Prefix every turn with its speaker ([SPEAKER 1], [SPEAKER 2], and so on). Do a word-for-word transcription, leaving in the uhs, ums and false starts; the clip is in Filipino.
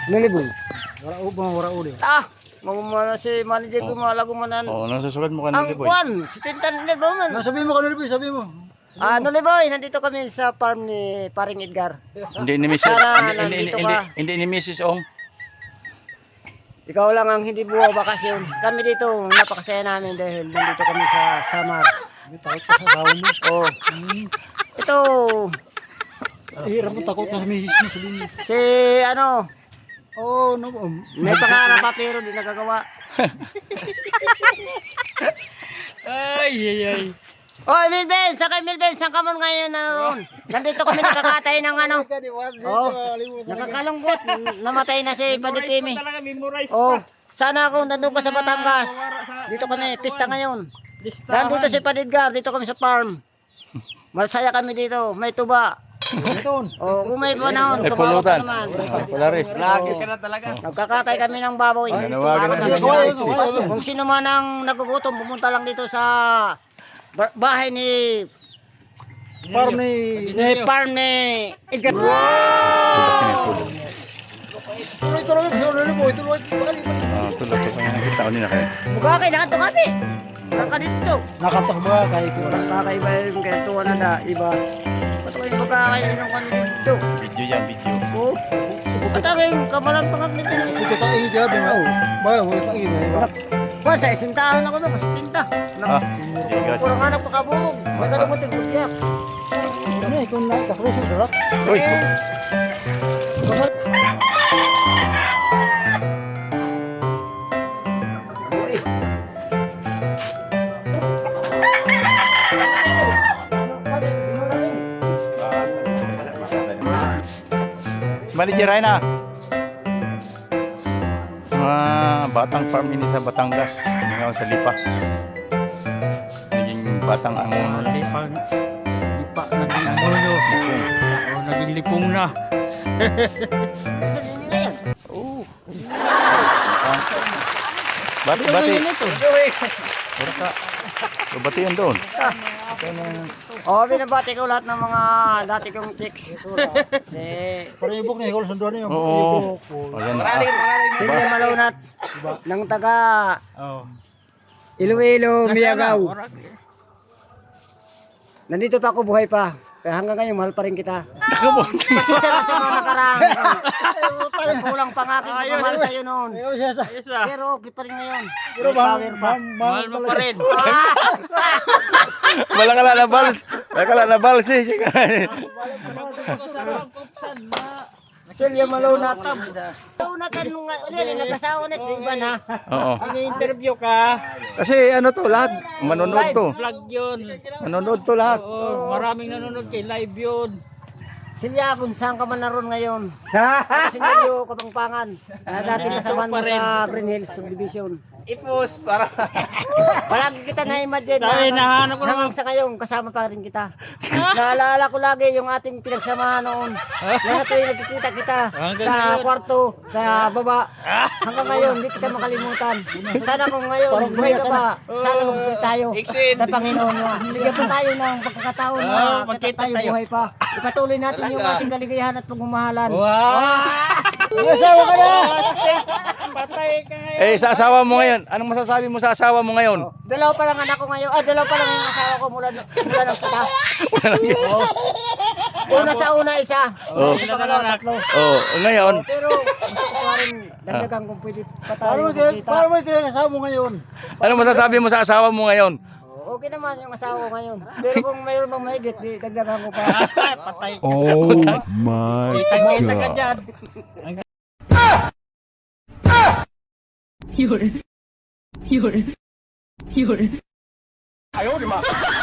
[SPEAKER 1] Naliboy.
[SPEAKER 2] Wala o ba wala uli.
[SPEAKER 1] Ah, mamumala si manager ko mga lagumanan.
[SPEAKER 3] Oo, nasusukat mo ka
[SPEAKER 1] Ang
[SPEAKER 3] Noliboy.
[SPEAKER 1] kwan, si Tintan Naliboy man.
[SPEAKER 2] Na sabi mo ka Noliboy, sabi mo.
[SPEAKER 1] Ah, Naliboy, nandito kami sa farm ni Paring Edgar.
[SPEAKER 3] Hindi ni Missus
[SPEAKER 1] Sana
[SPEAKER 3] hindi, hindi,
[SPEAKER 1] nandito
[SPEAKER 3] hindi,
[SPEAKER 1] ka.
[SPEAKER 3] hindi ni Missus Ong.
[SPEAKER 1] Ikaw lang ang hindi buwa bakasyon. Kami dito, napakasaya namin dahil nandito kami sa Samar.
[SPEAKER 2] May takot ka sa tao mo.
[SPEAKER 1] Oh. Ito,
[SPEAKER 2] Hirap mo takot ka sa misis mo sabi mo.
[SPEAKER 1] si ano,
[SPEAKER 2] Oh, no. um,
[SPEAKER 1] may pangarap pa pero di nagagawa.
[SPEAKER 4] Ay, ay, ay.
[SPEAKER 1] Oh, Milben, sakay Milben, saan ka man ngayon naroon? Nandito kami nakakatay ng ano. Oh, nakakalungkot, namatay na si Paditimi.
[SPEAKER 4] Memorize pa talaga, memorize
[SPEAKER 1] Oh,
[SPEAKER 4] pa.
[SPEAKER 1] sana kung nandun ka sa Batangas. Dito kami, pista ngayon. Nandito si Padidgar, dito kami sa farm. Masaya kami dito, may tuba.
[SPEAKER 2] Ito.
[SPEAKER 1] Oh, kung may panahon,
[SPEAKER 3] Ay,
[SPEAKER 1] tumawag ka
[SPEAKER 3] pulutan.
[SPEAKER 1] naman.
[SPEAKER 3] Ah, Polaris.
[SPEAKER 1] Lagi ka na talaga. Nagkakatay kami ng baboy.
[SPEAKER 3] Ay, nawagan
[SPEAKER 1] Para
[SPEAKER 3] na
[SPEAKER 1] sa
[SPEAKER 3] si
[SPEAKER 1] mga-
[SPEAKER 3] Alexi.
[SPEAKER 1] Kung sino man ang nagugutom, pumunta lang dito sa ba- bahay ni
[SPEAKER 2] Farm ni
[SPEAKER 1] ni farm ni Edgar.
[SPEAKER 2] Tuloy tuloy sa Noliboy, tuloy tuloy.
[SPEAKER 3] Ah, tulad ko kaya nakita ko nila kayo.
[SPEAKER 1] Mukha kayo, nakato kami. Naka dito.
[SPEAKER 2] Nakatak ba kahit wala.
[SPEAKER 1] Kakaiba yung kaya na da, iba. Ba't kayo magkakain ng kami dito?
[SPEAKER 3] Video yan, video.
[SPEAKER 1] Oh, ba't kayo kamalang pangap nito?
[SPEAKER 2] Ito ta igi gabi na. Ba, wala ta igi.
[SPEAKER 1] Ba, sa isang taon ako na, mas tinta.
[SPEAKER 3] Ah, igat.
[SPEAKER 1] Kurang anak pakabulog. May kalumutin ko siya.
[SPEAKER 2] Ano eh, kung nakakross yung darak.
[SPEAKER 3] Uy, manager ay na. Mga batang farm ini sa Batangas. Ngayon sa Lipa. Naging batang ang
[SPEAKER 4] Lipang, lipa, naging ano, oh, naging lipong na.
[SPEAKER 1] Saan nila yan?
[SPEAKER 3] Oh. Bati, bati. Pura ka. Bati yan doon.
[SPEAKER 1] Oh, binabati ko lahat ng mga dati kong chicks. Si
[SPEAKER 2] Para yung book niya, ikaw sunduan niyo.
[SPEAKER 3] Oo. Ayan na. Ah.
[SPEAKER 1] Silvia Malunat ng taga
[SPEAKER 4] Oh.
[SPEAKER 1] Iloilo, Miagaw. Nandito pa ako, buhay pa. Kaya hanggang ngayon, mahal pa rin kita. Pasensya na sa mga nakaraan. Kulang pa nga aking pagmamahal sa'yo noon.
[SPEAKER 2] Ikaw siya sa.
[SPEAKER 4] Ayos ah.
[SPEAKER 1] Pero okay pa rin ngayon.
[SPEAKER 2] Pero
[SPEAKER 1] May power pa.
[SPEAKER 4] Mahal mo pa rin.
[SPEAKER 3] Malakala na bals. Malakala na bals eh.
[SPEAKER 1] Silvia Malunat. Malunat, ano nga, ano yan, nag-asawa na, di ba na?
[SPEAKER 3] Oo.
[SPEAKER 4] Ini-interview ka.
[SPEAKER 3] Kasi ano to lahat. Manonood to.
[SPEAKER 4] Vlog yun.
[SPEAKER 3] Manonood to lahat.
[SPEAKER 4] Oo, maraming nanonood kay live yun.
[SPEAKER 1] Silvia, kung saan ka man naroon ngayon. Sinilyo, Kapangpangan. Na dati kasama mo sa Green Hills Subdivision.
[SPEAKER 5] I-post para
[SPEAKER 1] Palagi kita na-imagine
[SPEAKER 4] Dahil nahanap ko
[SPEAKER 1] hanggang
[SPEAKER 4] naman.
[SPEAKER 1] sa ngayon, kasama pa rin kita. Naalala ko lagi yung ating pinagsamahan noon. Mga tuwing nagkikita kita
[SPEAKER 4] Hanggang
[SPEAKER 1] sa
[SPEAKER 4] ngayon.
[SPEAKER 1] kwarto, sa baba. Hanggang ngayon, hindi kita makalimutan. Sana kung ngayon, buhay ka pa, sana magkita tayo
[SPEAKER 5] Iksin.
[SPEAKER 1] sa Panginoon mo. Bigyan pa tayo ng pagkakataon na
[SPEAKER 4] Ah,
[SPEAKER 1] kita
[SPEAKER 4] magkita
[SPEAKER 1] tayo
[SPEAKER 4] tayo.
[SPEAKER 1] buhay pa. Ipatuloy natin yung ating kaligayahan at pagmamahalan.
[SPEAKER 4] Wow!
[SPEAKER 1] Nasawa ka na!
[SPEAKER 4] Patay ka ngayon.
[SPEAKER 3] Eh, sa asawa mo ngayon. Anong masasabi mo sa asawa mo ngayon?
[SPEAKER 1] Dalawa pa lang anak ko ngayon. Ah, dalawa pa lang yung asawa ko mula, mula ng kita. Oo. Una sa una, isa.
[SPEAKER 3] Oo.
[SPEAKER 1] Isa pa lang tatlo.
[SPEAKER 3] Oh, ngayon.
[SPEAKER 1] Pero gusto ko pa rin dagdagan kung pwede pa tayo
[SPEAKER 2] Paano mo kaya,
[SPEAKER 1] magkita.
[SPEAKER 2] paano mo kaya kasama mo ngayon?
[SPEAKER 3] Anong masasabi mo sa asawa mo ngayon?
[SPEAKER 1] Oo, okay naman yung asawa ko ngayon. Pero kung mayroon bang mahigit, di dagdagan ko pa.
[SPEAKER 4] Patay ka.
[SPEAKER 6] Oh my
[SPEAKER 4] Kita ka
[SPEAKER 6] god.
[SPEAKER 4] dyan.
[SPEAKER 7] You're, you're, you're.